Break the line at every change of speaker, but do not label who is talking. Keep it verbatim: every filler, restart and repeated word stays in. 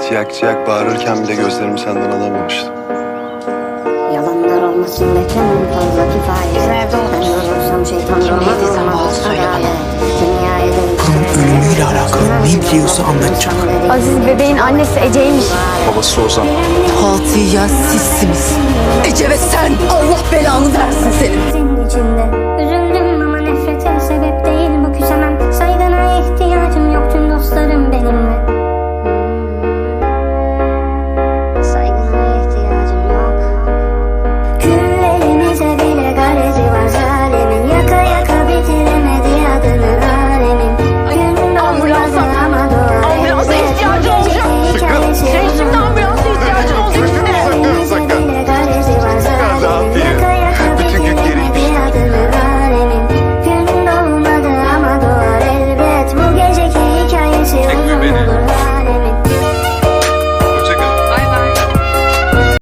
ciyak ciyak bağırırken bile gözlerimi senden alamamıştım.
Yalanlar olmasın beklemem fazla kifayet. Ben durursam şeytandan olmaz adalet. Dünyaya
Bunun ölümüyle alakalı ne biliyorsa anlatacak.
Aziz bebeğin annesi Ece'ymiş.
Babası Ozan.
Fatih'ya sizsiniz. Ece ve sen. Allah belanı versin senin.
senin içinde. Üzüldüm